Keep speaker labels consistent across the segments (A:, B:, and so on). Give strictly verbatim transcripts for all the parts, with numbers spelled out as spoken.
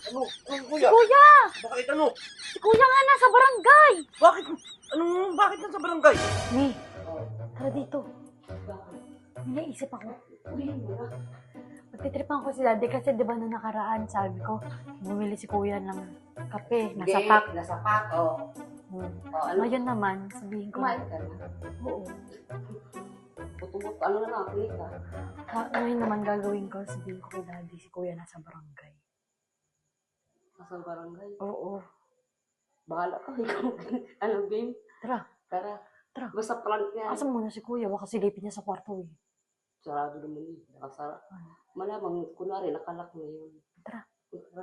A: Ano? Anong
B: Si
A: kuya?
B: kuya!
A: Bakit ano?
B: Si kuya nga nasa barangay!
A: Bakit? Anong, bakit nang sa barangay?
B: Ni, tara dito. May naisip ako. Magtitripan ko si daddy kasi di ba na nakaraan, sabi ko, bumili si kuya ng kape, nasa
C: Hindi,
B: pack.
C: Nasa pack, oh.
B: Hmm.
C: Oh, ano?
B: Ngayon naman, sabihin ko,
C: Kumain ka na.
B: oo.
C: Putubot, ano na lang, kulit ka.
B: Ha, ngayon naman gagawin ko, sabihin ko kay daddy, si kuya nasa barangay.
C: Nasa barangay.
B: Oo.
C: Bahala ka, ikaw. Ano, babe?
B: Tara,
C: Tara.
B: Tara.
C: Basta prank niya.
B: asa muna si kuya, baka silipin niya sa kwarto eh.
C: Sarado naman yun. Nakasara. Malamang, kunwari, nakalak na yun.
B: Tara,
C: Tara.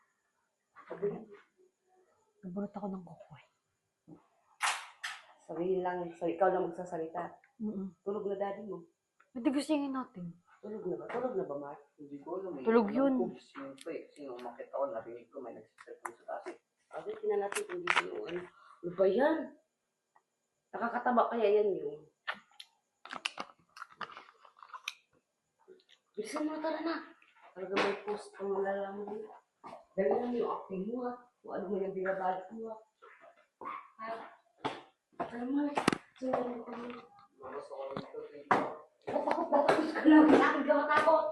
B: nabunot ako ng kukoy.
C: Sabihin lang, so ikaw lang magsasalita.
B: Mm-mm.
C: Tulog na daddy mo.
B: Pwede gustingin natin.
C: Tulog na ba? Tulog na ba, Mark?
A: Hindi ko alam. eh.
B: Tulog
A: Alam
B: yun.
A: ko, Sino pa eh? Sino umakit ako? Narinig ko may nagsiselfon sa taas eh.
C: Agad, tingnan natin kung dito yung ano. Ano ba yan? Nakakataba kaya yan yung... Bilisan mo, tara na. Talaga may post kung malalaman mo. Dali lang yung acting mo, ha. Kung ano mo yung binabalik mo, ha. Ha? Alam mo, sinanong ko mo.
A: Labas ako dito.
C: Tatakot, tatakot ka lang. Kailangan ka matakot.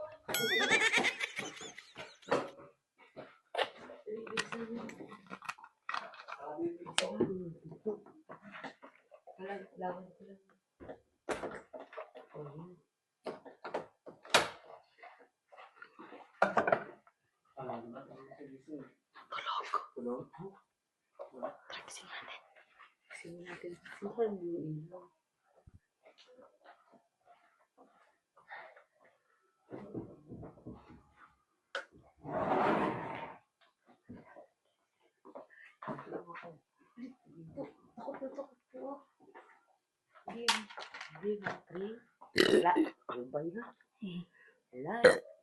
C: Bilisan mo. Alam, lawan ko lang. Oh, yan.
A: Tulog?
B: Tara, gising natin.
C: Kasi natin, mahal mo yung ilaw. Takot na takot po. Game, game, three. Wala, ano ba yun? Wala.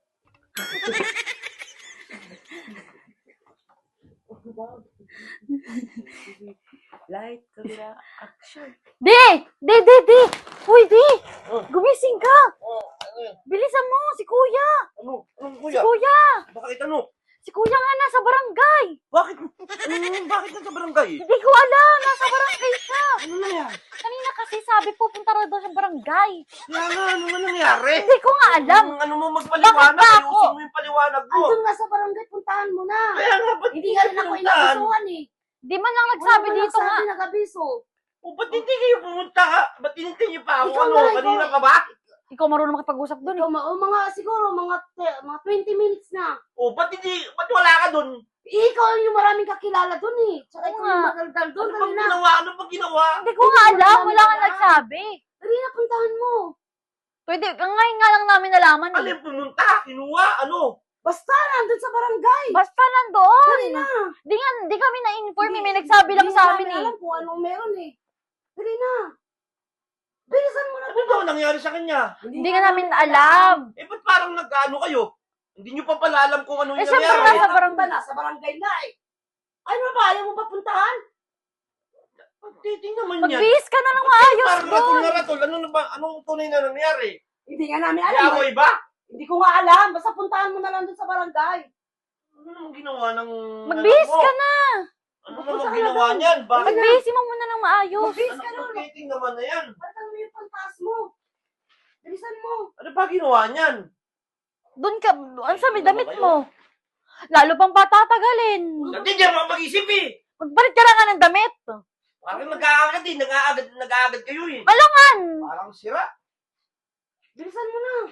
C: Light, camera, action.
B: Di! Di, di, di! Uy, di!
A: Oh.
B: Gumising ka!
A: Oh, ano yun?
B: Bilisan mo! Si kuya!
A: Ano? Anong
B: Si
A: kuya?
B: kuya!
A: Bakit ano?
B: Si kuya nga nasa barangay!
A: Bakit? Ano? Bakit nang sa barangay?
B: Hindi ko alam! Nasa barangay siya!
A: Ano na yan?
B: Kanina kasi sabi pupunta raw daw sa barangay.
A: Kaya nga, ano nga nangyari?
B: Hindi ko nga alam.
A: Ano, ano mo magpaliwanag?
B: Bakit ba ako?
A: Ayusin mo yung paliwanag mo.
C: Andun nga sa barangay, puntahan mo na.
A: Kaya nga, ba't
C: Hindi nga rin ako
A: pumuntahan?
C: inabisuhan eh.
B: Di man lang nagsabi
C: Wala
B: dito nga.
C: Sabi nag-abiso.
A: O, ba't hindi kayo pumunta ka? Ba't hinintay niyo pa ako?
C: Ikaw
A: Ano?
C: nga, ikaw.
A: Kanina ka ba?
B: Ikaw marunong makipag-usap doon eh.
C: Ikaw, ma- o mga siguro, mga, te- mga twenty minutes na.
A: O, ba't hindi? Ba't wala ka dun?
C: Ikaw yung maraming kakilala dun eh. Tsaka
B: Oo
C: ikaw
B: nga.
C: yung magaldal dun.
A: Ano
C: Dali
A: bang
C: na.
A: ginawa? Ano bang ginawa?
B: Hindi ko nga alam. Wala nga nagsabi.
C: Dali na, puntahan mo.
B: Pwede, ngayon nga lang namin nalaman eh.
A: Alin pumunta? Kinuha? Ano?
C: Basta, nandun sa barangay.
B: Basta nandoon.
C: Dali na.
B: Di nga, di kami na-inform eh. May nagsabi lang
C: Hindi
B: sa
C: namin
B: amin eh.
C: alam kung anong meron eh. Dali na. Bilisan mo na.
A: Ano daw nangyari sa kanya?
B: Hindi nga namin alam.
A: Eh, ba't parang nag-ano kayo? Hindi nyo pa pala alam kung ano
B: Eh,
A: yung
B: syempre
A: nangyari.
B: nasa
C: Nasa barangay na. Sa barangay na eh. Ano ba? Ayaw mo ba puntahan?
A: Titing naman yan.
B: Magbihis ka na ng maayos
A: Parang ratol
B: doon.
A: na ratol. Ano na ba? Anong tunay na nangyari?
C: Hindi nga namin
A: May
C: alam.
A: away ba?
C: Hindi ko nga alam. Basta puntahan mo na lang dun sa barangay.
A: Ano namang ginawa ng...
B: Magbihis
A: anak mo?
B: ka na.
A: Ano
C: Punta
A: namang
C: ka na
A: ginawa
C: doon.
A: niyan? Bakit?
B: Magbihis mo muna ng maayos.
C: Magbihis
A: Ano
C: ka nun.
A: titing naman na yan?
C: Parang mo yung pantas mo. Bilisan mo.
A: Ano ba ginawa niyan?
B: Doon ka, ano sabi, damit mo. Lalo pang patatagalin.
A: Hindi niya mga mag-isip eh.
B: Magbalit ka na nga ng damit.
A: Parang nag-aagad eh. Nag-aagad, nag-aagad kayo eh.
B: Malangan.
A: Parang sira.
C: Bilisan mo na.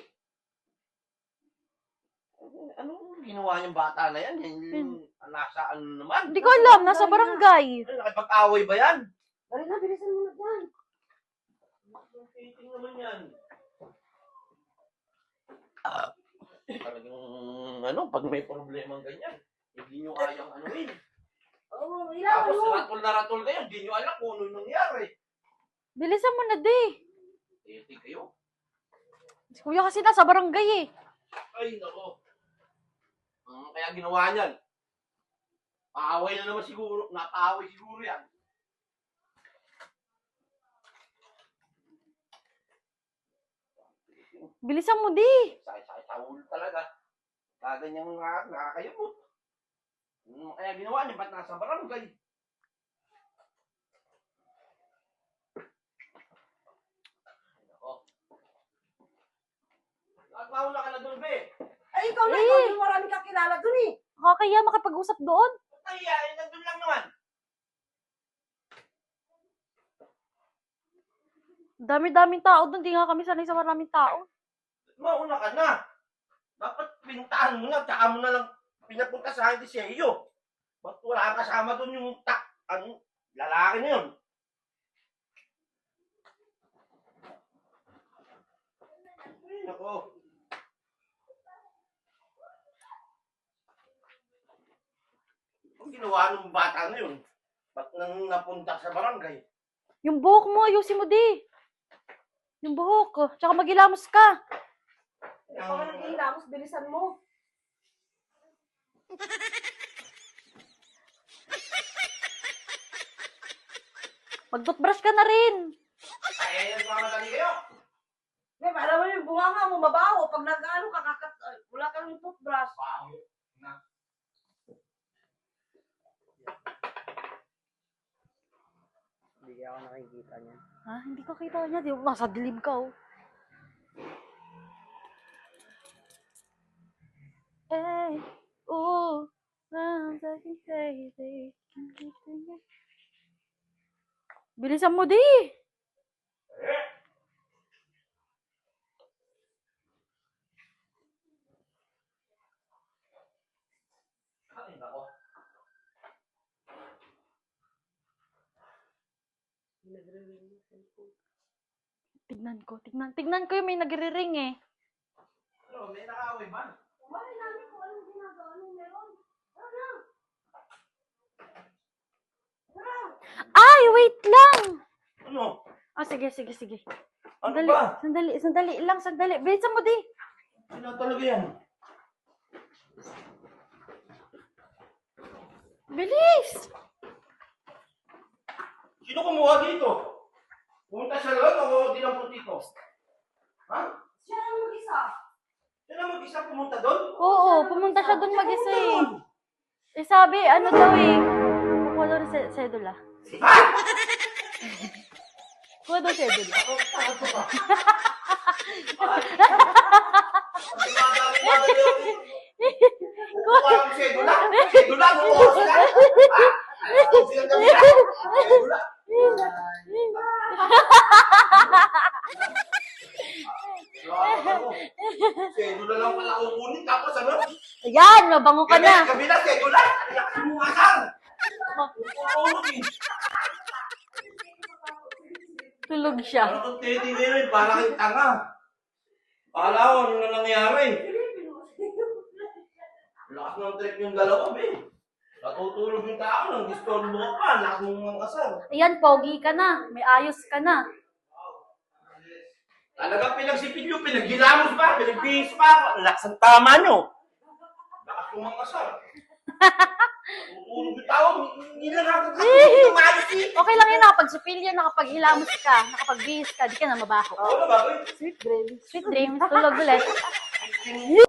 A: Ano ginawa niyang bata na yan? Yung nasa ano naman?
B: Hindi ko alam, nasa barangay.
A: Ano, nakipag-away ba yan?
C: Dali na, bilisan mo na dyan.
A: Titing naman yan. Talagang ano, pag may problemang ganyan, hindi nyo kayang anuin.
C: Oo, oh, ilaw
A: Tapos
C: mo.
A: ratol na ratol kayo, hindi nyo alam kung ano yung nangyari.
B: Bilisan mo na, di.
A: Titing kayo.
B: Si kuya kasi nasa barangay eh.
A: Ay, nako. Hmm, kaya ginawa niyan. Paaway na naman siguro. Napaaway siguro yan.
B: Bilisan mo, di.
A: Sakit-sakit sa ulo talaga. Kaganyang nakakayamot. Hmm, kaya ginawa niya, ba't nasa barangay? Ako. Nagpauna ka na doon, be.
C: Ay, ikaw na,
B: Eh.
C: ikaw yung marami kang kilala dun eh.
B: Nakakaya makipag-usap doon.
A: Ay, ay, nandun lang naman.
B: Dami-daming tao doon. Di nga kami sanay sa maraming tao.
A: Mauna ka na. Dapat pinuntahan mo na, tsaka mo na lang pinapunta sa akin si iyo. Ba't wala kang kasama doon yung ta, ano, lalaki na yun? Ay, nako. Ang ginawa ng bata na yun? Ba't nang napunta sa barangay?
B: Yung buhok mo, ayusin mo di. Yung buhok. Tsaka magilamos ka.
C: Ikaw ka nag-iilamos, bilisan mo.
B: Mag-toothbrush ka na rin.
A: Ay, nagmamadali kayo.
C: May para mo yung bunganga mo, mabaho. Pag nag-ano ka, kakat, ay, wala kang toothbrush.
A: Baho na.
C: Hindi ako nakikita niya.
B: Ha? Hindi ko kita niya. Di, nasa dilim ka, oh. Eh, oh, I'm talking crazy. Bilisan mo di.
A: Ay, nako.
B: Tignan ko, tignan. Tignan ko yung may nagre-ring eh.
A: Ano, may nakaaway ba?
C: Kumain namin kung anong ginagawa nung meron. Tara na! Tara!
B: Ay, wait lang.
A: Ano?
B: Ah, sige, sige, sige.
A: Ano
B: Sandali,
A: ba?
B: sandali, sandali lang, sandali. Bilisan mo di.
A: Sino talaga yan?
B: Bilis!
A: Sino kumuha dito? Pumunta siya lang o dinampot dito? Ha?
C: Siya lang mag-isa.
A: Siya na mag-isa pumunta doon?
B: Oo, pumunta siya doon mag-isa eh.
A: Doon.
B: Eh sabi, ano daw eh. Kuha daw ng se- sedula.
A: Ha?
B: Kuha daw sedula.
A: Ako, takot ko ba? Ang madali-madali ako. Kuha ang sedula? Sedula? Ang oras na? Ha? Ang silang gabi na? Sedula? Sedula lang pala kukunin tapos ano?
B: Ayan, mabango ka na.
A: Gabi na, sedula? Ang mga asal! Tutulog eh.
B: Tulog siya.
A: Ano kung titigirin? Parang kang tanga. Akala ko ano na nangyari. Lakas ng trip yung dalawa, be. Natutulog yung tao nang disturbo ka pa. Lakas mong mga kasal.
B: Ayan, pogi ka na. May ayos ka na.
A: Talagang pinagsipilyo, pinaghilamos pa, pinagbihis pa. Ang lakas ng tama nyo. Lakas mong mga kasal. Tutulog yung tao. Hindi lang nakakatulog ng maayos eh.
B: Okay lang yun, nakapagsupilyo, nakapaghilamos ka, nakapagbihis ka, di ka na mabaho.
A: Ano ba, be?
B: Sweet dreams. Sweet dreams, tulog ulit.